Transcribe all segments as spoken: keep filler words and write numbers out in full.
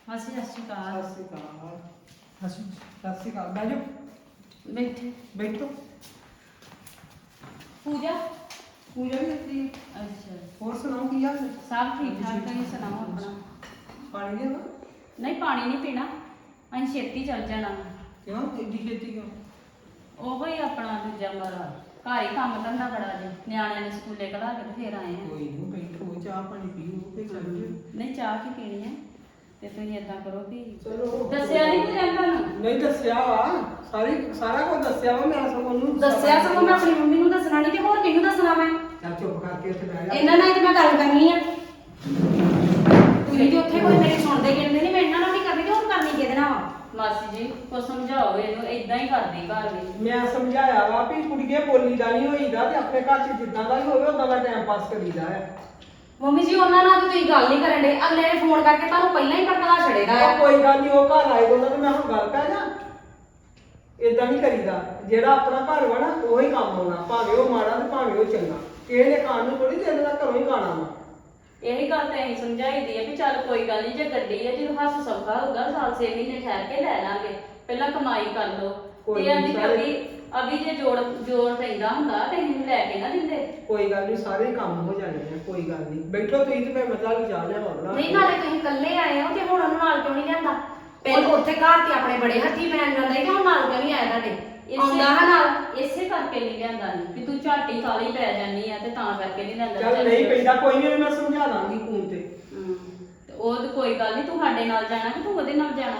ਮਾਸੀ ਸਤਿ ਸ਼੍ਰੀ ਅਕਾਲ। ਸਤਿ ਸ਼੍ਰੀ ਅਕਾਲ। ਸਤਿ ਸ਼੍ਰੀ ਅਕਾਲ। ਬਹਿ ਜਾਓ। ਬੈਠੇ ਬੈਠੋ। ਪੂਜਾ ਪੂਜਾ ਵੀ ਇੱਥੇ। ਅੱਛਾ ਹੋਰ ਸੁਣਾਓ ਕੀ ਹਾਲ ਹੈ? ਸਭ ਠੀਕ ਠਾਕ। ਤੁਸੀਂ ਸੁਣਾਓ ਆਪਣਾ? ਪਾਣੀ ਦੇ ਨਾ। ਨਹੀਂ ਪਾਣੀ ਨਹੀਂ ਪੀਣਾ, ਅਸੀਂ ਛੇਤੀ ਚੱਲ ਜਾਣਾ। ਕਿਉਂ ਇੱਡੀ ਛੇਤੀ ਕਿਉਂ? ਉਹ ਹੀ ਆਪਣਾ ਦੂਜਾ ਮਰਾ ਘਰ ਹੀ ਕੰਮ ਧੰਦਾ ਬੜਾ ਜੀ, ਨਿਆਣਿਆਂ ਨੇ ਸਕੂਲੇ ਕਢਾ ਕੇ ਤੇ ਫੇਰ ਆਏ ਆ। ਕੋਈ ਨਹੀਂ ਬੈਠੋ, ਚਾਹ ਪਾਣੀ ਪੀਓ ਤੇ ਚੱਲ ਜਿਓ। ਨਹੀਂ ਚਾਹ ਕੀ ਪੀਣੀ ਹੈ ਤੇ ਤੁਸੀਂ ਏਦਾਂ ਕਰੋ ਵੀ ਚਲੋ। ਦੱਸਿਆ ਨਹੀਂ ਕੁਝ ਤੁਹਾਨੂੰ? ਨਹੀਂ ਦੱਸਿਆ ਵਾ, ਸਾਰੀ ਸਾਰਾ ਕੁਝ ਦੱਸਿਆ ਵਾ। ਮੈਂ ਸਭ ਉਹਨੂੰ ਦੱਸਿਆ ਸਗੋਂ ਮੈਂ ਆਪਣੀ ਮੰਮੀ ਨੂੰ ਦੱਸਣਾ ਨਹੀਂ ਤੇ ਹੋਰ ਕਿਹਨੂੰ ਦੱਸਣਾ ਮੈਂ? ਚੱਲ ਚੁੱਪ ਕਰਕੇ ਉੱਥੇ ਬਹਿ ਜਾ। ਇਹਨਾਂ ਨਾਲ ਹੀ ਤੇ ਮੈਂ ਗੱਲ ਕਰਨੀ ਆ। ਤੁਸੀਂ ਤੇ ਉੱਥੇ ਕੋਈ ਮੇਰੀ ਸੁਣਦੇ ਗਿਣਦੇ ਨਹੀਂ, ਮੈਂ ਇਹਨਾਂ ਨਾਲ ਨਹੀਂ ਕਰਨੀ ਤੇ ਹੋਰ ਕਰਨੀ ਕਿਹਦੇ ਨਾਲ ਵਾ? ਮਾਸੀ ਜੀ ਕੋ ਸਮਝਾਓ ਇਹਨੂੰ, ਇਦਾਂ ਹੀ ਕਰਦੀ ਘਰ ਵਿੱਚ। ਮੈਂ ਸਮਝਾਇਆ ਵਾ ਵੀ ਕੁੜੀਏ ਬੋਲੀ ਦਾ ਨਹੀਂ ਹੋਈਦਾ ਤੇ ਆਪਣੇ ਘਰ 'ਚ ਜਿੱਦਾਂ ਦਾ ਹੀ ਹੋਵੇ ਉਦਾਂ ਦਾ ਟਾਈਮ ਪਾਸ ਕਰੀਦਾ ਹੈ। ਮੰਮੀ ਜੀ ਉਹਨਾਂ ਨਾਲ ਤਾਂ ਤੁਸੀਂ ਗੱਲ ਨਹੀਂ ਕਰਨ ਦੇ, ਅਗਲੇ ਨੇ ਫੋਨ ਕਰਕੇ ਤੁਹਾਨੂੰ ਪਹਿਲਾਂ ਹੀ ਭੜਕਾ ਛੜੇਗਾ ਉਹ ਕੋਈ ਗੱਲ ਨਹੀਂ, ਉਹ ਘਰ ਆਏ ਉਹਨਾਂ ਤੇ ਮੈਂ ਹੁਣ ਗੱਲ ਪੈ ਜਾ। ਇਦਾਂ ਨਹੀਂ ਕਰੀਦਾ, ਜਿਹੜਾ ਆਪਣਾ ਘਰ ਵਾ ਨਾ ਉਹੀ ਕੰਮ ਆਉਣਾ, ਭਾਵੇਂ ਉਹ ਮਾੜਾ ਤੇ ਭਾਵੇਂ ਉਹ ਚੰਗਾ। ਕਿਸੇ ਨੇ ਖਾਣ ਨੂੰ ਥੋੜੀ ਦੇਰ ਦਾ ਘਰੋਂ ਹੀ ਖਾਣਾ ਵਾ। ਇਹੀ ਗੱਲ ਤਾਂ ਅਸੀਂ ਸਮਝਾਈਦੀ ਹੈ ਵੀ ਚੱਲ ਕੋਈ ਗੱਲ ਨਹੀਂ, ਜੇ ਗੱਡੀ ਹੈ ਜਦੋਂ ਹੱਸ ਸੌਖਾ ਹੋਊਗਾ ਸਾਲ ਛੇ ਮਹੀਨੇ ਠਹਿਰ ਕੇ ਲੈ ਲਾਂਗੇ, ਪਹਿਲਾਂ ਕਮਾਈ ਕਰ ਲਓ। ਤੇ ਆਂਦੀ ਵੀ ਅਭੀ ਅਭੀ ਜੇ ਜੋੜ ਜੋੜ ਪੈਂਦਾ ਹੁੰਦਾ ਤੇ ਇਹਨੂੰ ਲੈ ਕੇ ਨਾ ਦਿੰਦੇ। ਕੋਈ ਗੱਲ ਨਹੀਂ, ਸਾਰੇ ਕੰਮ ਹੋ ਜਾਣੇ ਆ, ਕੋਈ ਗੱਲ ਨਹੀਂ। ਬੈਠੋ ਤੁਸੀਂ ਤੇ ਮੈਂ ਮਤਲਬ ਵੀ ਜਾ ਲਿਆ ਹੋਣਾ। ਨਹੀਂ ਨਾਲੇ ਤੁਸੀਂ ਇਕੱਲੇ ਆਏ ਹੋ ਤੇ ਹੁਣ ਉਹਨੂੰ ਨਾਲ ਕਿਉਂ ਨਹੀਂ ਲਿਆਂਦਾ? ਪਹਿਲਾਂ ਉੱਥੇ ਘਰ ਤੇ ਆਪਣੇ ਬੜੇ ਹੱਥੀ ਪੈਣ ਜਾਂਦਾ ਸੀ, ਹੁਣ ਨਾਲ ਕਿਉਂ ਨਹੀਂ ਆਇਆ ਤੁਹਾਡੇ? ਆਉਂਦਾ ਹੈ ਨਾਲ। ਇਸੇ ਕਰਕੇ ਨਹੀਂ ਲਿਆਂਦਾ ਨਹੀਂ ਵੀ ਤੂੰ ਝਾਟੀ ਕਾਲੀ ਪੈ ਜਾਨੀ ਆ ਤੇ ਤਾਂ ਕਰਕੇ ਨਹੀਂ ਲਿਆਂਦਾ। ਚੱਲ ਨਹੀਂ ਪੈਂਦਾ ਕੋਈ ਨਹੀਂ, ਮੈਂ ਸਮਝਾ ਦਾਂਗੀ ਫੋਨ ਤੇ। ਹੂੰ ਤੇ ਉਹ ਤੇ ਕੋਈ ਗੱਲ ਨਹੀਂ, ਤੂੰ ਸਾਡੇ ਨਾਲ ਜਾਣਾ ਕਿ ਤੂੰ ਉਹਦੇ ਨਾਲ ਜਾਣਾ?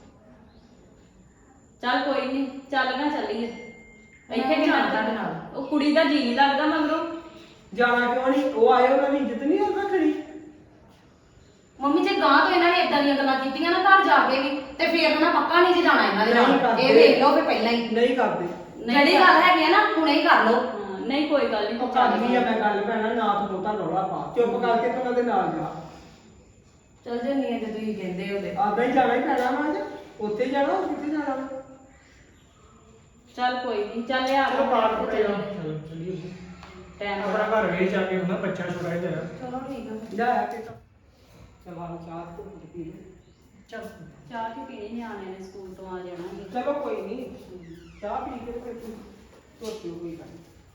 ਚੱਲ ਕੋਈ ਨਹੀਂ, ਚੱਲ ਨਾ ਚੱਲੀਏ। ਇੱਥੇ ਵੀ ਨਾਲ ਤੁਹਾਡੇ ਨਾਲ ਉਹ ਕੁੜੀ ਦਾ ਜੀ ਨਹੀਂ ਲੱਗਦਾ ਮਗਰੋਂ। ਜਾਣਾ ਕਿਉਂ ਨਹੀਂ? ਉਹ ਆਏ, ਉਹਨਾਂ ਦੀ ਇੱਜ਼ਤ ਨਹੀਂ ਉਹ ਰੱਖਣੀ। ਮੰਮੀ ਜੇ ਗਾਂ ਤੋਂ ਇਹਨਾਂ ਨੇ ਇਦਾਂ ਦੀਆਂ ਗੱਲਾਂ ਕੀਤੀਆਂ ਨਾ ਘਰ ਜਾ ਕੇ ਵੀ ਤੇ ਫੇਰ ਨਾ ਪੱਕਾ ਨਹੀਂ ਜੇ ਜਾਣਾ ਇਹਨਾਂ ਦੇ ਨਹੀਂ ਨਾਲ। ਕਰਦੇ। ਇਹ ਵੇਖ ਲਓ ਫੇ ਪਹਿਲਾਂ ਹੀ ਨਹੀਂ ਕਰਦੇ। ਜਿਹੜੀ ਗੱਲ ਹੈਗੀ ਆ ਨਾ ਹੁਣੇ ਹੀ ਕਰ ਲਓ। ਨਹੀਂ ਕੋਈ ਗੱਲ ਨਹੀਂ, ਉਹ ਕਰਨੀ ਆ ਮੈਂ ਗੱਲ ਪੈਣਾ, ਨਾ ਤੂੰ ਬਹੁਤਾ ਰੌਲਾ ਪਾ, ਚੁੱਪ ਕਰਕੇ ਤੂੰ ਉਹਨਾਂ ਦੇ ਨਾਲ ਜਾ। ਚੱਲ ਜੰਨੀ ਆ ਜੇ ਤੁਸੀਂ ਕਹਿੰਦੇ ਹੋ ਤੇ। ਆਦਾ ਹੀ ਜਾਣਾ ਹੀ ਪੈਣਾ ਵਾ ਅੱਜ, ਉੱਥੇ ਹੀ ਜਾਣਾ, ਹੋਰ ਕਿੱਥੇ ਜਾਣਾ ਵਾ? ਚੱਲ ਕੋਈ ਨਹੀਂ, ਚੱਲ ਆ ਚਲੋ ਬਾਹਰ ਕੱਪੜੇ ਆ ਚਲੋ ਚਲੀਏ ਟਾਈਮ ਆਪਣਾ ਘਰ ਵੇਚ ਜਾ ਕੇ ਹੁੰਦਾ ਬੱਚਾ ਛੋਟਾ ਹੀ ਤੇਰਾ। ਚਲੋ ਠੀਕ ਆ। ਜਾ ਆ ਕੇ ਚਲ ਆ ਚਾਹ ਤੋਂ ਪੀ ਲੈ। ਚਲ ਚਾਹ ਕੀ ਪੀਣੀ, ਨਿਆਣੇ ਨੇ ਸਕੂਲ ਤੋਂ ਆ ਜਾਣਾ ਸੀ। ਚਲੋ ਕੋਈ ਨਹੀਂ, ਚਾਹ ਪੀ ਕੇ ਫਿਰ ਤੂੰ ਧੋਤੀ ਹੋਈ ਗੱਲ।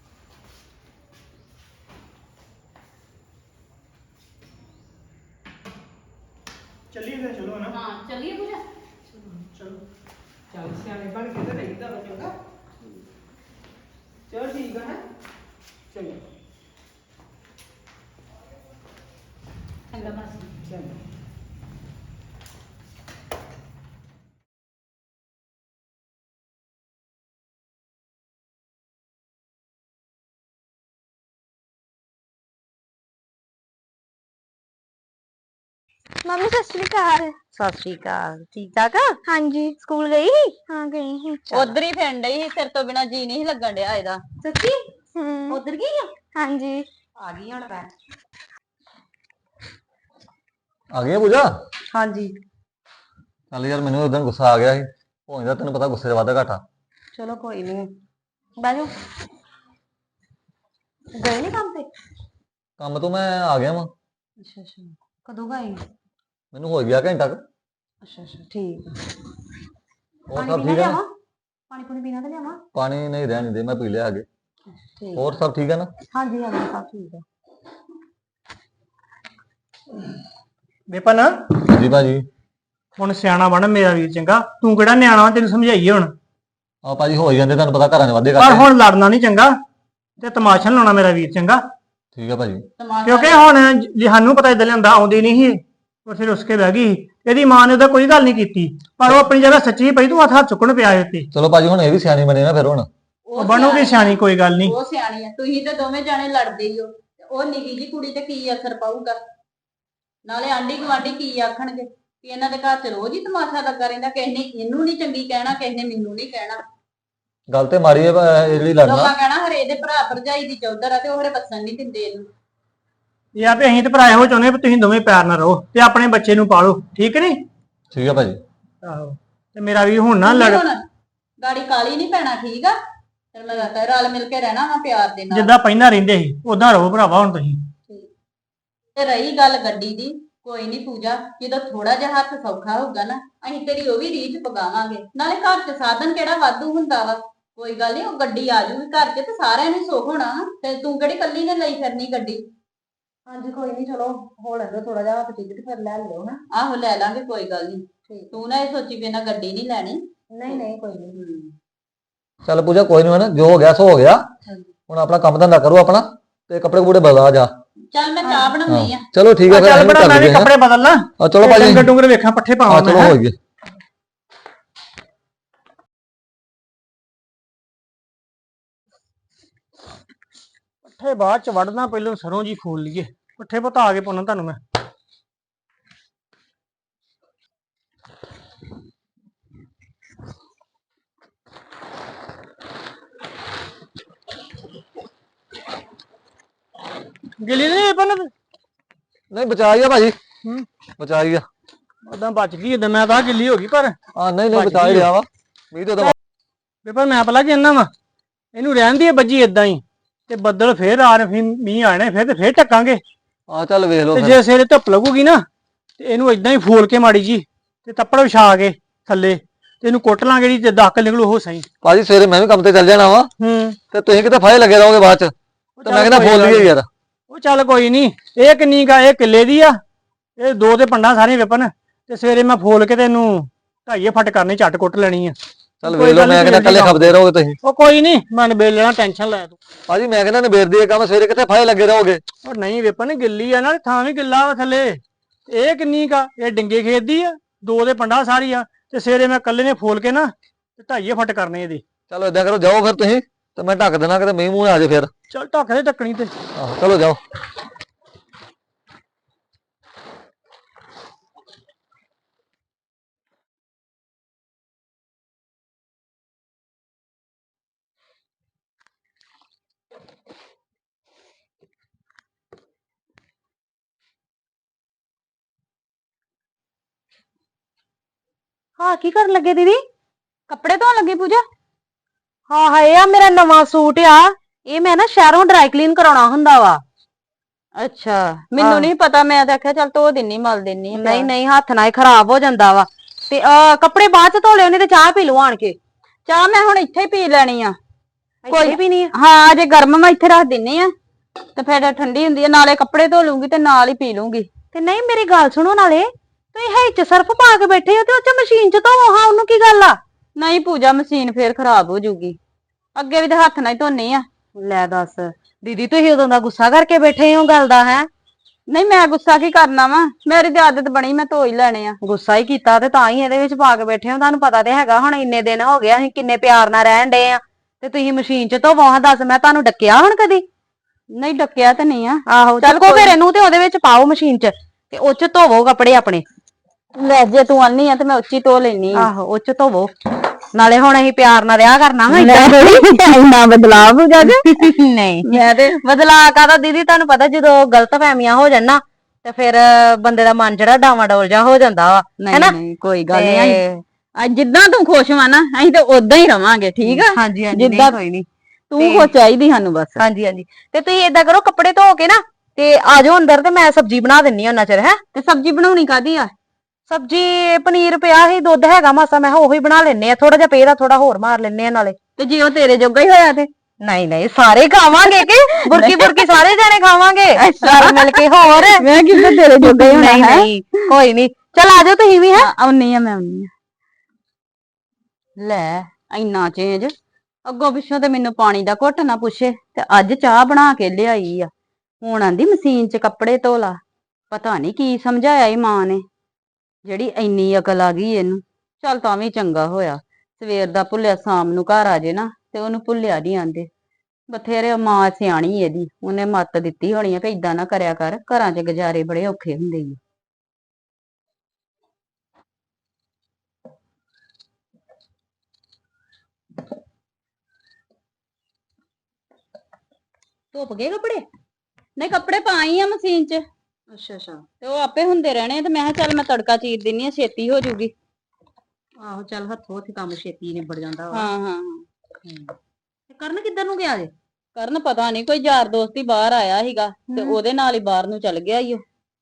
ਚੱਲੀਏ ਫਿਰ, ਚਲੋ ਨਾ। ਹਾਂ ਚੱਲੀਏ ਪੂਜਾ। ਚਲੋ ਚੱਲ ਸਿਆਣੇ ਬਣ ਕੇ ਤੇ ਰਹੀਦਾ ਵਾ ਚੰਗਾ। ਚਲ ਠੀਕ ਆ ਹੈ ਚੰਗਾ। ਚੰਗਾ ਬਸ। ਚੰਗਾ। ਮੰਮੀ ਸਤਿ ਸ਼੍ਰੀ ਅਕਾਲ। ਸਤਿ ਸ਼੍ਰੀ ਅਕਾਲ। ਠੀਕ ਠਾਕ ਆ? ਹਾਂਜੀ। ਸਕੂਲ ਗਈ ਸੀ? ਹਾਂ ਗਈ ਸੀ। ਉਧਰ ਹੀ ਫਿਰਨ ਡਈ ਸੀ, ਤੇਰੇ ਤੋਂ ਬਿਨਾ ਜੀ ਨਹੀਂ ਲੱਗਣ ਡਿਆ ਇਹਦਾ। ਸੱਚੀ? ਹੂੰ। ਉਧਰ ਗਈ ਆ? ਹਾਂਜੀ। ਆ ਗਈ ਹੁਣ ਮੈਂ। ਆ ਗਈ ਆ ਪੂਜਾ? ਹਾਂਜੀ। ਚੱਲ ਯਾਰ ਮੈਨੂੰ ਉਦੋਂ ਗੁੱਸਾ ਆ ਗਿਆ ਸੀ, ਹੋ ਜਾਂਦਾ ਤੈਨੂੰ ਪਤਾ ਗੁੱਸੇ ਦਾ ਵਾਧਾ ਘਾਟਾ। ਚਲੋ ਕੋਈ ਨਹੀਂ, ਬਹਿ ਜਾਓ। ਗਏ ਨੀ ਕੰਮ ਤੇ? ਕੰਮ ਤੋਂ ਮੈਂ ਆ ਗਿਆ ਵਾਂ। ਅੱਛਾ ਅੱਛਾ, ਕਦੋਂ ਗਏ? ਮੈਨੂੰ ਹੋ ਗਿਆ ਘੰਟਾ ਕੁ। ਅੱਛਾ ਅੱਛਾ ਠੀਕ ਆ। ਹੋਰ ਪਾਣੀ ਸਭ ਪੀਣਾ ਠੀਕ ਹੈ ਨਾ? ਲਿਆਵਾਂ? ਪਾਣੀ ਪੂਣੀ ਪੀਣਾ ਤੇ ਲਿਆਵਾਂ? ਪਾਣੀ ਨਹੀਂ ਰਹਿਣ ਦੇ, ਮੈਂ ਪੀ ਲਿਆ ਅੱਗੇ। ਠੀਕ। ਹੋਰ ਸਭ ਠੀਕ ਹੈ ਨਾ? ਹਾਂਜੀ ਹਾਂਜੀ ਸਭ ਠੀਕ ਆ। ਵਿਪਨ ਜੀ ਭਾਜੀ। ਹੁਣ ਸਿਆਣਾ ਬਣ ਮੇਰਾ ਵੀਰ, ਚੰਗਾ? ਤੂੰ ਕਿਹੜਾ ਨਿਆਣਾ ਵਾ, ਤੈਨੂੰ ਸਮਝਾਈਏ ਹੁਣ। ਆ ਭਾਜੀ ਹੋ ਹੀ ਜਾਂਦੇ, ਤੁਹਾਨੂੰ ਪਤਾ ਘਰਾਂ ਦੇ ਵਾਧੇ ਪਰ ਘਾਟੇ। ਹੁਣ ਲੜਨਾ ਨਹੀਂ ਚੰਗਾ ਤੇ ਤਮਾਸ਼ਾ ਨੀ ਲਾਉਣਾ ਮੇਰਾ ਵੀਰ, ਚੰਗਾ? ਠੀਕ ਹੈ ਭਾਜੀ। ਕਿਉਂਕਿ ਹੁਣ ਜੇ ਸਾਨੂੰ ਪਤਾ ਇਦਾਂ ਲਿਆਂਦਾ ਆਉਂਦੀ ਨਹੀਂ ਸੀ, ਉਹ ਫਿਰ ਉਸਕੇ ਬਹਿ ਗਈ ਸੀ। ਇਹਦੀ ਮਾਂ ਨੇ ਉਹਦਾ ਕੋਈ ਗੱਲ ਨਹੀਂ ਕੀਤੀ, ਪਰ ਉਹ ਆਪਣੀ ਜਗ੍ਹਾ ਸੱਚੀ ਪਈ, ਤੂੰ ਹੱਥ ਹੱਥ ਚੁੱਕਣ ਪਿਆ ਉੱਤੇ। ਚਲੋ ਭਾਜੀ ਹੁਣ ਇਹ ਵੀ ਸਿਆਣੀ ਬਣੇ ਨਾ ਫਿਰ ਹੁਣ। ਉਹ ਬਣੂਗੀ ਸਿਆਣੀ, ਕੋਈ ਗੱਲ ਨਹੀਂ। ਉਹ ਸਿਆਣੀ ਆ, ਤੁਸੀਂ ਤੇ ਦੋਵੇਂ ਜਾਣੇ ਲੜਦੇ ਹੀ ਹੋ। ਉਹ ਨਿੱਕੀ ਜੀ ਕੁੜੀ ਤੇ ਕੀ ਅਸਰ ਪਾਊਗਾ? ਨਾਲੇ ਆਂਢੀ ਗੁਆਂਢੀ ਕੀ ਆਖਣਗੇ ਕਿ ਇਹਨਾਂ ਦੇ ਘਰ ਚ ਰੋਜ਼ ਹੀ ਤਮਾਸ਼ਾ ਲੱਗਾ ਰਹਿੰਦਾ, ਕਿਸੇ ਨੇ ਇਹਨੂੰ ਨਹੀਂ ਚੰਗੀ ਕਹਿਣਾ, ਕਿਸੇ ਨੇ ਮੈਨੂੰ ਨਹੀਂ ਕਹਿਣਾ। ਗੱਲ ਤੇ ਮਾਰੀ ਹੈ ਇਹ ਜਿਹੜੀ ਲੜਨਾ। ਲੋਕਾਂ ਕਹਿਣਾ ਹਰੇ ਇਹਦੇ ਭਰਾ ਭਰਜਾਈ ਦੀ ਚੌਧਰ ਆ ਤੇ ਉਹ ਹਰੇ ਵਸਣ ਨਹੀਂ ਦਿੰਦੇ ਇਹਨੂੰ। ਇਹ ਆ ਵੀ ਅਸੀਂ ਤੇ ਭਰਾ ਇਹੋ ਚਾਹੁੰਦੇ ਵੀ ਤੁਸੀਂ ਦੋਵੇਂ ਪਿਆਰ ਨਾਲ ਰਹੋ ਤੇ ਆਪਣੇ ਬੱਚੇ ਨੂੰ ਪਾਲੋ, ਠੀਕ ਨਹੀਂ? ਠੀਕ ਹੈ ਭਾਜੀ। ਆਹੋ ਤੇ ਮੇਰਾ ਵੀ ਹੁਣ ਨਾ ਲੜ, ਹੁਣ ਗਾੜੀ ਕਾਲੀ ਨਹੀਂ ਪੈਣਾ, ਠੀਕ ਆ? ਫਿਰ ਮੈਂ ਕਹਤਾ ਰਲ ਮਿਲ ਕੇ ਰਹਿਣਾ ਵਾ ਪਿਆਰ ਦੇ ਨਾਲ। ਜਿੱਦਾਂ ਪਹਿਲਾਂ ਰਹਿੰਦੇ ਸੀ ਉਦਾਂ ਰਹੋ ਭਰਾਵਾ ਹੁਣ ਤੁਸੀਂ। ਤੇ ਰਹੀ ਗੱਲ ਗੱਡੀ ਦੀ, ਕੋਈ ਨਹੀਂ ਪੂਜਾ, ਜਦੋਂ ਥੋੜਾ ਜਿਹਾ ਹੱਥ ਸੌਖਾ ਹੋਊਗਾ ਨਾ ਅਸੀਂ ਤੇਰੀ ਉਹ ਵੀ ਰੀਝ ਪਗਾਵਾਂਗੇ। ਨਾਲੇ ਘਰ 'ਚ ਸਾਧਨ ਕਿਹੜਾ ਵਾਧੂ ਹੁੰਦਾ ਵਾ। ਕੋਈ ਗੱਲ ਨਹੀਂ, ਉਹ ਗੱਡੀ ਆ ਜੂਗੀ ਘਰ 'ਚ ਤੇ ਸਾਰਿਆਂ ਨੂੰ ਸੁੱਖ ਹੋਣਾ। ਤੇ ਤੂੰ ਕਿਹੜੀ ਕੱਲੀ ਨੇ ਲਈ ਫਿਰਨੀ ਗੱਡੀ। ਹਾਂਜੀ ਕੋਈ ਨਹੀਂ, ਚਲੋ ਹੋ ਲੈਂਦਾ ਥੋੜਾ ਜਿਹਾ ਹੱਥ ਠੀਕ ਤੇ ਫਿਰ ਲੈ ਲਿਓ ਨਾ। ਆਹੋ ਲੈ ਲਾਂਗੇ, ਕੋਈ ਗੱਲ ਨਹੀਂ। ਤੂੰ ਨਾ ਇਹ ਸੋਚੀ ਵੀ ਇਹਨਾਂ ਗੱਡੀ ਨਹੀਂ ਲੈਣੀ। ਨਹੀਂ ਨਹੀਂ ਕੋਈ ਨਹੀਂ। ਚੱਲ ਪੂਜਾ ਕੋਈ ਨਹੀਂ, ਨਾ ਜੋ ਹੋ ਗਿਆ ਸੋ ਹੋ ਗਿਆ। ਹੁਣ ਆਪਣਾ ਕੰਮ ਧੰਦਾ ਕਰੋ ਆਪਣਾ, ਤੇ ਕੱਪੜੇ ਕੁਪੜੇ ਬਦਲਾ ਜਾ। ਚੱਲ ਮੈਂ ਚਾਹ ਬਣਾਉਣੀ ਆ। ਚਲੋ ਠੀਕ ਹੈ ਫਿਰ ਚੱਲ ਅਸੀਂ ਵੀ ਬੜਾ ਕਰ ਮੈਂ ਵੀ ਲਈਏ, ਹੈਂ। ਕੱਪੜੇ ਬਦਲਣਾ ਆ ਚਲੋ ਭਾਜੀ, ਡੰਗਰ ਡੁੰਗਰ ਵੇਖਾਂ, ਪੱਠੇ ਆ ਪਾਵਾਂ ਚਲੋ ਮੈਂ ਹੋ ਗਏ। ਪੱਠੇ ਬਾਅਦ ਚ ਵੜਨਾ, ਪਹਿਲਾਂ ਸਰੋਂ ਜੀ ਫੋਲ ਲਈਏ। ਪੱਠੇ ਪਤਾ ਕੇ ਪਾਉਣਾ ਤੁਹਾਨੂੰ ਮੈਂ। ਗਿੱਲੀ ਨਹੀਂ ਪਨ ਨਹੀਂ ਬਚਾ ਹੀ ਆ ਭਾਜੀ, ਹੂੰ ਬਚਾ ਹੀ ਆ। ਉਦਾਂ ਬਚ ਗਈ, ਏਦਾਂ ਮੈਂ ਤਾਂ ਗਿੱਲੀ ਹੋ ਗਈ, ਪਰ ਆ ਨਹੀਂ ਨਹੀਂ ਬਚ ਬਚਾ ਹੀ ਗਈ ਆ। ਰਿਹਾ ਵਾ ਮੀਂਹ ਤੇ ਉਹਦਾ। ਪੇਪਰ ਮੈਂ ਪਲਾ ਕਹਿੰਦਾ ਵਾ, ਇਹਨੂੰ ਰਹਿਣ ਦੀ ਬੱਜੀ ਏਦਾਂ ਹੀ, ਤੇ ਬੱਦਲ ਫੇਰ ਆ ਰਹੇ, ਫਿਰ ਮੀਂਹ ਆਣੇ, ਫਿਰ ਤੇ ਫੇਰ ਟੱਕਾਂਗੇ। ਆ ਚੱਲ ਵੇਖ ਲਓ ਤੇ ਫਿਰ। ਜੇ ਸਵੇਰੇ ਧੁੱਪ ਲੱਗੂਗੀ ਨਾ, ਤੇ ਇਹਨੂੰ ਏਦਾਂ ਹੀ ਫੋਲ ਕੇ ਮਾੜੀ ਜੀ, ਤੇ ਤੱਪੜ ਵਿਛਾ ਕੇ ਥੱਲੇ, ਤੇ ਇਹਨੂੰ ਕੁੱਟ ਲਾਂਗੇ ਜੀ, ਤੇ ਦਾਖਲ ਨਿਕਲੂ ਉਹ ਸਹੀ। ਭਾਜੀ ਸਵੇਰੇ ਮੈਂ ਵੀ ਕੰਮ ਤੇ ਚੱਲ ਜਾਣਾ ਵਾ, ਹੂੰ ਤੇ ਤੁਸੀਂ ਕਿਤੇ ਫਾਇਲ ਲੱਗੇ ਰਹੋਗੇ ਬਾਅਦ ਚ, ਤੇ ਮੈਂ ਕਹਿੰਦਾ ਫੋਲ ਲਈਏ ਯਾਰ। ਉਹ ਚੱਲ ਕੋਈ ਨਹੀਂ, ਇਹ ਕਿੰਨੀ ਕਾ, ਇਹ ਕਿੱਲੇ ਦੀ ਆ, ਇਹ ਦੋ ਤੇ ਪੰਡਾ ਸਾਰੀਆਂ ਵਿਪਨ, ਤੇ ਸਵੇਰੇ ਮੈਂ ਫੋਲ ਕੇ ਤੇ ਇਹਨੂੰ ਢਾਈਏ ਫੱਟ ਕਰਨੀ, ਝੱਟ ਕੁੱਟ ਲੈਣੀ ਆ। ਚੱਲ ਕੋਈ ਵੇਖ ਲਓ, ਗੱਲ ਨੀ, ਮੈਂ ਕਹਿੰਦਾ ਜਲਦੀ ਕੱਲੇ ਕੰਮ। ਖਪਦੇ ਰਹੋਗੇ ਤੁਸੀਂ। ਉਹ ਕੋਈ ਨਹੀਂ, ਮੈਂ ਨਿਬੇੜ ਲੈਣਾ, ਟੈਨਸ਼ਨ ਲੈ ਤੂੰ। ਭਾਜੀ ਮੈਂ ਕਹਿੰਦਾ ਨਿਬੇੜ ਦੀਏ ਕੰਮ, ਸਵੇਰੇ ਕਿਤੇ ਫਾਇਲ ਲੱਗੇ ਰਹੋਗੇ। ਉਹ ਨਹੀਂ ਵਿਪਨ, ਗਿੱਲੀ ਆ ਨਾਲ, ਥਾਂ ਵੀ ਗਿੱਲਾ ਵਾ ਥੱਲੇ। ਇਹ ਕਿੰਨੀ ਕਾ, ਇਹ ਡਿੰਗੇ ਖੇਤ ਦੀ ਆ, ਦੋ ਦੇ ਪੰਡਾ ਸਾਰੀ ਆ, ਤੇ ਸਵੇਰੇ ਮੈਂ ਕੱਲੇ ਨੇ ਫੋਲ ਕੇ ਨਾ, ਤੇ ਢਾਈਏ ਫੱਟ ਕਰਨੇ ਇਹਦੀ। ਚਲੋ ਏਦਾਂ ਕਰੋ, ਜਾਓ ਫਿਰ ਤੁਸੀਂ, ਤੇ ਮੈਂ ਢੱਕ ਦੇਣਾ, ਕਿਤੇ ਮੀਂਹ ਮੂੰਹ ਆ ਜਾਏ ਫਿਰ। ਚੱਲ ਢੱਕ ਦੇ ਢੱਕਣੀ ਤੇ। ਆਹੋ ਚਲੋ ਜਾਓ। ਹਾਂ ਕੀ ਕਰਨ ਲੱਗੇ ਦੀਦੀ? ਕੱਪੜੇ ਧੋਣ ਲੱਗੀ ਪੂਜਾ। ਹਾਂ ਹਾਂ, ਇਹ ਆ ਮੇਰਾ ਨਵਾਂ ਸੂਟ ਆ, ਇਹ ਮੈਂ ਨਾ ਸ਼ਹਿਰੋਂ ਡਰਾਈ ਕਲੀਨ ਕਰਾਉਣਾ ਹੁੰਦਾ ਵਾ। ਅੱਛਾ, ਮੈਨੂੰ ਨਹੀਂ ਪਤਾ, ਮੈਂ ਤਾਂ ਆਖਿਆ ਚੱਲ ਧੋ ਦਿੰਨੀ, ਮਲ ਦਿੰਨੀ। ਨਹੀਂ ਨਹੀਂ, ਹੱਥ ਨਾਲ ਹੀ ਖਰਾਬ ਹੋ ਜਾਂਦਾ ਵਾ। ਤੇ ਅਹ ਕੱਪੜੇ ਬਾਅਦ ਚ ਧੋ ਲਿਓ, ਨਹੀਂ ਤੇ ਚਾਹ ਪੀ ਲਓ ਆਣ ਕੇ। ਚਾਹ ਮੈਂ ਹੁਣ ਇੱਥੇ ਹੀ ਪੀ ਲੈਣੀ ਆ। ਕੋਈ ਪੀਣੀ ਆ? ਹਾਂ, ਜੇ ਗਰਮ ਮੈਂ ਇੱਥੇ ਰੱਖ ਦਿੰਨੀ ਆ, ਤੇ ਫਿਰ ਠੰਡੀ ਹੁੰਦੀ ਆ, ਨਾਲੇ ਕੱਪੜੇ ਧੋ ਲੂੰਗੀ ਤੇ ਨਾਲ ਹੀ ਪੀ ਲੂੰਗੀ। ਤੇ ਨਹੀਂ, ਮੇਰੀ ਗੱਲ ਸੁਣੋ, ਨਾਲੇ ਤੁਸੀਂ ਹੈ ਚ ਸਰਫ ਪਾ ਕੇ ਬੈਠੇ ਹੋ, ਤੇ ਉਹ ਚ ਮਸ਼ੀਨ ਚ ਧੋਵੋ ਹਾਂ, ਉਹਨੂੰ ਕੀ ਗੱਲ ਆ? ਨਹੀਂ ਪੂਜਾ, ਮਸ਼ੀਨ ਫੇਰ ਖਰਾਬ ਹੋ ਜੂਗੀ। ਅੱਗੇ ਵੀ ਤੇ ਹੱਥ ਨਾਲ ਹੀ ਧੋਨੀ ਆ। ਲੈ ਦੱਸ ਦੀਦੀ, ਤੁਸੀਂ ਉਦੋਂ ਦਾ ਗੁੱਸਾ ਕਰਕੇ ਬੈਠੇ ਹੋ ਗੱਲ ਦਾ, ਹੈ? ਨਹੀਂ ਮੈਂ ਗੁੱਸਾ ਕੀ ਕਰਨਾ ਵਾ, ਮੇਰੀ ਤੇ ਆਦਤ ਬਣੀ, ਮੈਂ ਧੋ ਹੀ ਲੈਣੇ ਆ। ਗੁੱਸਾ ਹੀ ਕੀਤਾ ਤੇ ਤਾਂ ਹੀ ਇਹਦੇ ਵਿੱਚ ਪਾ ਕੇ ਬੈਠੇ ਹੋ। ਤੁਹਾਨੂੰ ਪਤਾ ਤੇ ਹੈਗਾ, ਹੁਣ ਇੰਨੇ ਦਿਨ ਹੋ ਗਏ ਅਸੀਂ ਕਿੰਨੇ ਪਿਆਰ ਨਾਲ ਰਹਿਣ ਡੇ ਆ, ਤੇ ਤੁਸੀਂ ਮਸ਼ੀਨ ਚ ਧੋਵੋ ਹਾਂ। ਦੱਸ, ਮੈਂ ਤੁਹਾਨੂੰ ਡੱਕਿਆ ਹੁਣ ਕਦੀ? ਨਹੀਂ ਡੱਕਿਆ ਤਾਂ ਨਹੀਂ ਆ। ਆਹੋ, ਚੱਕੋ ਫਿਰ ਇਹਨੂੰ, ਤੇ ਉਹਦੇ ਵਿੱਚ ਪਾਓ ਮਸ਼ੀਨ ਚ, ਤੇ ਉਹ ਚ ਧੋਵੋ ਕੱਪੜੇ ਆਪਣੇ। ਲੈ ਜੇ ਤੂੰ ਆਨੀ ਆ ਤੇ ਮੈਂ ਉੱਚੀ ਧੋ ਲੈਣੀ ਆ। ਆਹੋ, ਉਹ ਚ ਧੋਵੋ। ਨਾਲੇ ਹੁਣ ਅਸੀਂ ਪਿਆਰ ਨਾਲ ਰਿਹਾ ਕਰਨਾ ਵਾ, ਇੰਨਾ ਬਦਲਾਵ ਹੋ ਗਿਆ ਨਹੀਂ ਮੈਂ ਤੇ ਬਦਲਾ ਕਾਦਾ ਦੀਦੀ, ਤੁਹਾਨੂੰ ਪਤਾ ਜਦੋਂ ਗਲਤ ਫਹਿਮੀਆਂ ਹੋ ਜਾਣ ਨਾ, ਤੇ ਫਿਰ ਬੰਦੇ ਦਾ ਮਨ ਜਿਹੜਾ ਡਾਵਾਂ ਡੋਲ ਜਾ ਹੋ ਜਾਂਦਾ ਵਾ, ਹੈਨਾ? ਨਹੀਂ ਕੋਈ ਗੱਲ ਨਹੀਂ, ਅੱਜ ਜਿੱਦਾਂ ਤੂੰ ਖੁਸ਼ ਵਾ ਨਾ, ਅਸੀਂ ਤੇ ਉਦਾਂ ਹੀ ਰਵਾਂਗੇ, ਠੀਕ ਆ? ਹਾਂਜੀ ਹਾਂਜੀ, ਜਿੱਦਾਂ ਕੋਈ ਨਹੀਂ, ਤੂੰ ਖੁਸ਼ ਚਾਹੀਦੀ ਸਾਨੂੰ ਬਸ। ਹਾਂਜੀ ਹਾਂਜੀ। ਤੇ ਤੁਸੀਂ ਏਦਾਂ ਕਰੋ, ਕੱਪੜੇ ਧੋ ਕੇ ਨਾ, ਤੇ ਆ ਜਾਓ ਅੰਦਰ, ਤੇ ਮੈਂ ਸਬਜ਼ੀ ਬਣਾ ਦਿੰਨੀ ਆ ਉਹਨਾਂ ਚਿਰ। ਹੈ? ਤੇ ਸਬਜ਼ੀ ਬਣਾਉਣੀ ਕਾਦੀ ਆ? ਸਬਜ਼ੀ ਪਨੀਰ ਪਿਆ ਸੀ, ਦੁੱਧ ਹੈਗਾ ਮਾਸਾ, ਮੈਂ ਉਹੀ ਬਣਾ ਲੈਨੇ ਆ, ਥੋੜਾ ਜਿਹਾ ਪੇਰਾ ਥੋੜਾ ਹੋਰ ਮਾਰ ਲੈਨੇ ਆ ਨਾਲੇ। ਤੇ ਜੇ ਉਹ ਤੇਰੇ ਜੋਗਾ ਹੀ ਹੋਇਆ ਤੇ? ਨਹੀਂ ਨਹੀਂ, ਸਾਰੇ ਖਾਵਾਂਗੇ ਕਿ ਬੁਰਕੀ ਬੁਰਕੀ ਸਾਰੇ ਜਾਣੇ ਖਾਵਾਂਗੇ ਰਲ ਮਿਲ ਕੇ। ਹੋਰ ਮੈਂ ਕਿਹਾ ਤੇਰੇ ਜੋਗਾ ਹੀ ਹੋਣਾ ਨਹੀਂ ਹੈ। ਨਹੀਂ, ਕੋਈ ਨਹੀਂ, ਚਲ ਆ ਜਾਓ ਤੁਸੀਂ ਵੀ। ਹੈ? ਆਉਣੀ ਆ ਮੈਂ, ਆਉਣੀ ਆ। ਲੈ ਇੰਨਾ ਚੇਂਜ, ਅੱਗੋਂ ਪਿੱਛੋਂ ਤੇ ਮੈਨੂੰ ਪਾਣੀ ਦਾ ਘੁੱਟ ਨਾ ਪੁੱਛੇ, ਤੇ ਅੱਜ ਚਾਹ ਬਣਾ ਕੇ ਲਿਆਈ ਆ। ਹੁਣ ਆਂਦੀ ਮਸ਼ੀਨ 'ਚ ਕੱਪੜੇ ਧੋ ਲਾ। ਪਤਾ ਨਹੀਂ ਕੀ ਸਮਝਾਇਆ ਈ ਮਾਂ ਨੇ, ਜਿਹੜੀ ਇੰਨੀ ਅਕਲ ਆ ਗਈ ਇਹਨੂੰ। ਚੱਲ ਤਾਂ ਵੀ ਚੰਗਾ ਹੋਇਆ, ਸਵੇਰ ਦਾ ਭੁੱਲਿਆ ਸ਼ਾਮ ਨੂੰ ਘਰ ਆ ਜੇ ਨਾ, ਤੇ ਉਹਨੂੰ ਭੁੱਲਿਆ ਨਹੀਂ ਆਂਦੇ। ਬਥੇਰੇ ਮਾਂ ਸਿਆਣੀ ਇਹਦੀ, ਉਹਨੇ ਮੱਤ ਦਿੱਤੀ ਹੋਣੀ ਆ ਕਿ ਏਦਾਂ ਨਾ ਕਰਿਆ ਕਰ, ਘਰਾਂ 'ਚ ਗੁਜ਼ਾਰੇ ਬੜੇ ਔਖੇ ਹੁੰਦੇ ਈ। ਧੁੱਪ ਗਏ ਕੱਪੜੇ? ਨਹੀਂ ਕੱਪੜੇ ਪਾਈ ਆ ਮਸ਼ੀਨ 'ਚ, ਅੱਛਾ ਅੱਛਾ। ਤੇ ਉਹ ਆਪੇ ਹੁੰਦੇ ਰਹਿਣੇ ਆ, ਤੇ ਮੈਂ ਕਿਹਾ ਚੱਲ ਮੈਂ ਤੜਕਾ ਚੀਰ ਦਿੰਨੀ ਆ, ਛੇਤੀ ਹੋ ਜੂਗੀ। ਆਹੋ, ਚੱਲ ਹੱਥੋਂ ਹੱਥ ਕੰਮ ਛੇਤੀ ਨਿਬੜ ਜਾਂਦਾ ਵਾ। ਹਾਂ ਹਾਂ। ਤੇ ਕਰਨ ਕਿੱਧਰ ਨੂੰ ਗਿਆ ਜੇ? ਕਰਨ ਪਤਾ ਨਹੀਂ, ਕੋਈ ਯਾਰ ਦੋਸਤ ਹੀ ਬਾਹਰ ਆਇਆ ਸੀਗਾ, ਤੇ ਉਹਦੇ ਨਾਲ ਹੀ ਬਾਹਰ ਨੂੰ ਚੱਲ ਗਿਆ ਈ ਉਹ।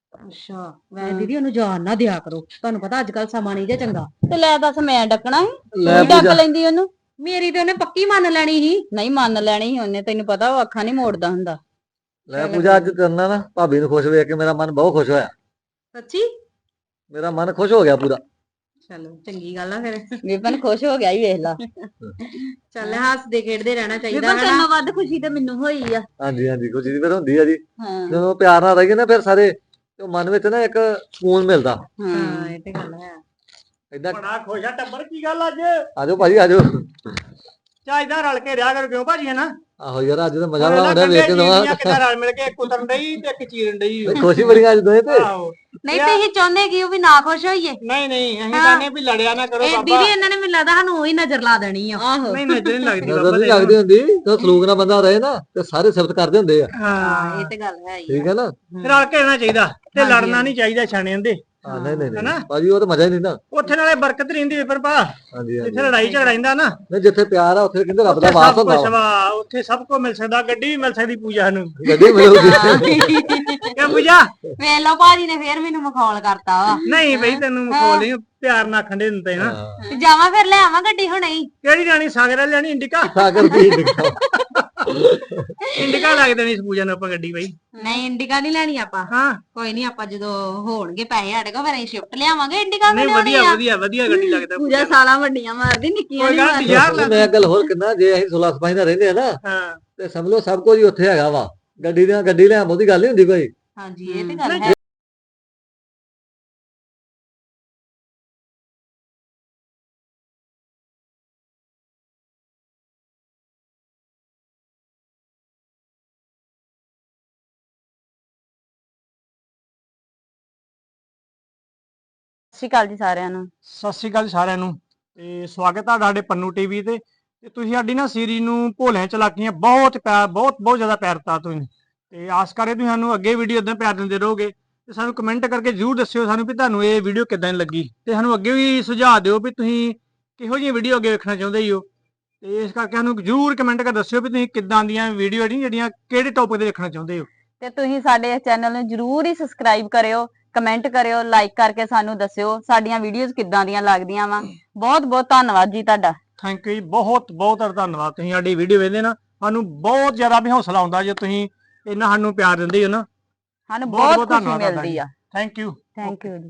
ਅੱਛਾ ਵੈਸੇ ਦੀਦੀ ਉਹਨੂੰ ਜਾਣ ਨਾ ਦਿਆ ਕਰੋ ਤੁਹਾਨੂੰ ਪਤਾ ਅੱਜ ਕੱਲ ਸਮਾਂ ਨਹੀਂ ਜੇ ਚੰਗਾ ਤੇ ਲੈ ਦੱਸ ਮੈਂ ਡੱਕਣਾ ਸੀ ਲੈ ਤੂੰ ਡੱਕ ਪੂਜਾ ਲੈਂਦੀ ਉਹਨੂੰ ਮੇਰੀ ਤੇ ਉਹਨੇ ਪੱਕੀ ਮੰਨ ਲੈਣੀ ਸੀ ਨਹੀਂ ਮੰਨ ਲੈਣੀ ਸੀ ਉਹਨੇ ਤੈਨੂੰ ਪਤਾ ਉਹ ਅੱਖਾਂ ਨਹੀਂ ਮੋੜਦਾ ਹੁੰਦਾ ਲੈ ਪੂਜਾ ਅੱਜ ਕਰਨਾ ਨਾ ਭਾਬੀ ਨੂੰ ਖੁਸ਼ ਵੇਖ ਕੇ ਮੇਰਾ ਮਨ ਬਹੁਤ ਖੁਸ਼ ਹੋਇਆ ਸੱਚੀ ਮੇਰਾ ਮਨ ਖੁਸ਼ ਹੋ ਗਿਆ ਪੂਰਾ ਚਲੋ ਚੰਗੀ ਗੱਲ ਆ ਫਿਰ ਵਿਪਨ ਖੁਸ਼ ਹੋ ਗਿਆ ਹੀ ਵੇਖ ਲਾ ਚੱਲ ਹੱਸਦੇ ਖੇਡਦੇ ਰਹਿਣਾ ਚਾਹੀਦਾ ਵਿਪਨ ਹੈ ਤੈਨੂੰ ਨਾ ਵੱਧ ਖੁਸ਼ੀ ਤੇ ਮੈਨੂੰ ਹੋਈ ਆ ਹਾਂਜੀ ਹਾਂਜੀ ਖੁਸ਼ੀ ਦੀ ਫਿਰ ਹੁੰਦੀ ਆ ਜੀ ਹਾਂ ਜਦੋਂ ਪਿਆਰ ਨਾਲ ਰਹੀਏ ਨਾ ਫਿਰ ਸਾਰੇ ਤੇ ਮਨ ਵਿੱਚ ਨਾ ਇੱਕ ਸਕੂਨ ਮਿਲਦਾ ਹਾਂ ਹਾਂ ਇਹ ਤੇ ਗੱਲ ਹੈ ਏਦਾਂ ਬੜਾ ਖੁਸ਼ ਆ ਟੱਬਰ ਕੀ ਗੱਲ ਅੱਜ ਆਜੋ ਭਾਜੀ ਆਜੋ ਚਾ ਇਦਾਂ ਰਲ ਕੇ ਰਿਹਾ ਕਰੋ ਕਿਉਂ ਭਾਜੀ ਹੈ ਨਾ ਆਹੋ ਯਾਰ ਅੱਜ ਤਾਂ ਮਜ਼ਾ ਹੁਣ ਆਉਂਦਾ ਇਹਦਾ ਵੇਖ ਕੇ ਕੰਢੇ ਨਵਾਂ ਜੀਆਂ ਕਿੱਦਾਂ ਰਲ ਮਿਲ ਕੇ ਇੱਕ ਉਤਰਨ ਡਈ ਤੇ ਇੱਕ ਚੀਰਨ ਡਈ ਖੁਸ਼ੀ ਬੜੀ ਅੱਜ ਦੋਏ ਤੇ ਆਹੋ ਨਹੀਂ ਤੁਸੀਂ ਚਾਹੁੰਦੇ ਕਿ ਉਹ ਵੀ ਨਾ ਖੁਸ਼ ਹੋਈਏ ਨਹੀਂ ਨਹੀਂ ਅਸੀਂ ਕਹਿੰਦੇ ਵੀ ਲੜਿਆ ਨਾ ਕਰੋ ਇਹ ਬਾਬਾ ਦੀਦੀ ਇਹਨਾਂ ਨੇ ਮੈਨੂੰ ਲੱਗਦਾ ਸਾਨੂੰ ਉਹੀ ਨਜ਼ਰ ਲਾ ਦੇਣੀ ਆ ਆਹੋ ਨਹੀਂ ਨਜ਼ਰ ਨਹੀਂ ਲੱਗਦੀ ਨਜ਼ਰ ਬਾਬਾ ਨਹੀਂ ਦੇ ਲੱਗਦੀ ਹੁੰਦੀ ਜਦੋਂ ਸਲੂਕ ਨਾਲ ਬੰਦਾ ਰਹੇ ਨਾ ਤੇ ਸਾਰੇ ਸਿਫਤ ਕਰਦੇ ਹੁੰਦੇ ਆ ਹਾਂ ਇਹ ਤੇ ਗੱਲ ਹੈ ਹੀ ਠੀਕ ਹੈ ਨਾ ਰਲ ਕੇ ਰਹਿਣਾ ਚਾਹੀਦਾ ਤੇ ਲੜਨਾ ਨਹੀਂ ਚਾਹੀਦਾ ਛਾਣਿਆਂ ਦੇ ਹਾਂ ਨਹੀਂ ਨਹੀਂ ਹਨਾ? ਨਹੀਂ ਭਾਜੀ ਉਹ ਤਾਂ ਮਜ਼ਾ ਹੀ ਨਹੀਂ ਨਾ ਉੱਥੇ ਨਾਲੇ ਬਰਕਤ ਰਹਿੰਦੀ ਵੇ ਪਰ ਭਾ ਹਾਂਜੀ ਹਾਂਜੀ ਜਿੱਥੇ ਲੜਾਈ ਝਗੜਾ ਰਹਿੰਦਾ ਨਾ ਨਹੀਂ ਜਿੱਥੇ ਪਿਆਰ ਆ ਉੱਥੇ ਕਹਿੰਦੇ ਰੱਬ ਦਾ ਉੱਥੇ ਵਾਸ ਸਭ ਹੁੰਦਾ ਕੁਝ ਵਾ। ਵਾ ਉੱਥੇ ਸਭ ਕੁਝ ਮਿਲ ਸਕਦਾ ਗੱਡੀ ਵੀ ਮਿਲ ਸਕਦੀ ਪੂਜਾ ਨੂੰ ਗੱਡੀ ਮਿਲੂਗੀ ਕਿਆ ਪੂਜਾ ਵੇਖ ਲਓ ਭਾਜੀ ਨੇ ਫੇਰ ਮੈਨੂੰ ਮਖੌਲ ਕਰਤਾ ਵਾ ਨਹੀਂ ਬਈ ਤੈਨੂੰ ਮਖੌਲ ਨਹੀਂ ਪਿਆਰ ਨਾਲ ਖੰਡੇ ਦਿੰਦੇ ਨਾ ਹਾਂ। ਜਾਵਾਂ ਫਿਰ ਲੈ ਆਵਾਂ ਗੱਡੀ ਹੁਣੇ ਹੀ ਕਿਹੜੀ ਲੈਣੀ ਸਾਗਰ ਲੈਣੀ ਇੰਡਿਕਾ ਸਾਗਰ ਦੀ ਦਿਖਾਓ ਇੰਡਿਕਾ ਲੱਗ ਦੇਣੀ ਇਸ ਪੂਜਾ ਨੂੰ ਆਪਾਂ ਗੱਡੀ ਬਈ ਨਹੀਂ ਇੰਡੀਕਾ ਨਹੀਂ ਲੈਣੀ ਆਪਾਂ ਹਾਂ ਕੋਈ ਨਹੀਂ ਆਪਾਂ ਜਦੋਂ ਹੋਣਗੇ ਪੈਸੇ ਸਾਡੇ ਕੋਲ ਫਿਰ ਅਸੀਂ ਸ਼ਿਫਟ ਲਿਆਵਾਂਗੇ ਇੰਡੀਕਾ ਨਹੀਂ ਵਧੀਆ ਵਧੀਆ ਵਧੀਆ ਗੱਡੀ ਲੱਗਦਾ ਪੂਜਾ ਸਾਲਾਂ ਵੱਡੀਆਂ ਮਾਰਦੀ ਨਿੱਕੀਆਂ ਕੋਈ ਨਹੀਂ ਗੱਲ ਨੀ ਯਾਰ ਮੈਂ ਗੱਲ ਹੋਰ ਕਿੰਨਾ ਜੇ ਅਸੀਂ ਸੁਲਾ ਸਫਾਈ ਨਾਲ ਰਹਿੰਦੇ ਆ ਨਾ ਹਾਂ ਤੇ ਸਮਝ ਲਓ ਸਭ ਕੁਝ ਹੀ ਉੱਥੇ ਹੈਗਾ ਵਾ ਗੱਡੀ ਦੀਆਂ ਗੱਡੀ ਲੈ ਆਉਂਦੀ ਗੱਲ ਨਹੀਂ ਹੁੰਦੀ ਕੋਈ ਹਾਂਜੀ ਇਹ ਤੇ ਗੱਲ ਹੈ ਸਤਿ ਸ਼੍ਰੀ ਅਕਾਲ ਜੀ ਸਾਰਿਆਂ ਨੂੰ ਸਤਿ ਸ਼੍ਰੀ ਅਕਾਲ ਜੀ ਸਾਰਿਆਂ ਨੂੰ ਤੇ ਸਵਾਗਤ ਹੈ ਤੁਹਾਡੇ ਪੰਨੂ ਟੀਵੀ ਤੇ ਤੇ ਤੁਸੀਂ ਸਾਡੀ ਨਾ ਸੀਰੀਜ਼ ਨੂੰ ਭੋਲਿਆਂ ਚਲਾਕੀਆਂ ਬਹੁਤ ਪਿਆਰ ਬਹੁਤ ਬਹੁਤ ਜ਼ਿਆਦਾ ਪਿਆਰ ਦਿੱਤਾ ਤੁਸੀਂ ਤੇ ਆਸ ਕਰੇ ਤੁਸੀਂ ਸਾਨੂੰ ਅੱਗੇ ਵੀਡੀਓ ਇਦਾਂ ਪਿਆਰ ਦਿੰਦੇ ਰਹੋਗੇ ਤੇ ਸਾਨੂੰ ਕਮੈਂਟ ਕਰਕੇ ਜਰੂਰ ਦੱਸਿਓ ਸਾਨੂੰ ਵੀ ਤੁਹਾਨੂੰ ਇਹ ਵੀਡੀਓ ਕਿੱਦਾਂ ਦੀ ਲੱਗੀ ਤੇ ਸਾਨੂੰ ਅੱਗੇ ਵੀ ਸੁਝਾਅ ਦਿਓ ਵੀ ਤੁਸੀਂ ਕਿਹੋ ਜਿਹੀ ਵੀਡੀਓ ਅੱਗੇ ਵੇਖਣਾ ਚਾਹੁੰਦੇ ਹੋ ਤੇ ਇਸ ਕਰਕੇ ਸਾਨੂੰ ਜਰੂਰ ਕਮੈਂਟ ਕਰਕੇ ਦੱਸਿਓ ਵੀ ਤੁਸੀਂ ਕਿੱਦਾਂ ਦੀਆਂ ਵੀਡੀਓ ਜਿਹੜੀਆਂ ਕਿਹੜੇ ਟੌਪਿਕ ਤੇ ਵੇਖਣਾ ਚਾਹੁੰਦੇ ਹੋ ਤੇ ਤੁਸੀਂ ਸਾਡੇ ਇਸ ਚੈਨਲ ਨੂੰ ਜਰੂਰ ਹੀ ਸਬਸਕ੍ਰਾਈਬ ਕਰਿਓ ਕਮੈਂਟ ਕਰਿਓ ਲਾਈਕ ਕਰਕੇ ਸਾਨੂੰ ਦੱਸਿਓ ਸਾਡੀਆਂ ਵੀਡੀਓਜ਼ ਕਿੱਦਾਂ ਦੀਆਂ ਲੱਗਦੀਆਂ ਵਾ ਬਹੁਤ ਬਹੁਤ ਧੰਨਵਾਦ ਜੀ ਤੁਹਾਡਾ ਥੈਂਕ ਯੂ ਜੀ ਬਹੁਤ ਬਹੁਤ ਧੰਨਵਾਦ ਤੁਸੀਂ ਸਾਡੀ ਵੀਡੀਓ ਵੇਖਦੇ ਨਾ ਸਾਨੂੰ ਬਹੁਤ ਜ਼ਿਆਦਾ ਵੀ ਹੌਸਲਾ ਆਉਂਦਾ ਜੇ ਤੁਸੀਂ ਇੰਨਾ ਸਾਨੂੰ ਪਿਆਰ ਦਿੰਦੇ ਹੋ ਨਾ ਸਾਨੂੰ ਬਹੁਤ- ਬਹੁਤ ਬਹੁਤ ਖੁਸ਼ੀ ਧੰਨਵਾਦ ਤੁਹਾਡਾ ਮਿਲਦੀ ਆ ਥੈਂਕ ਯੂ ਥੈਂਕ ਯੂ ਜੀ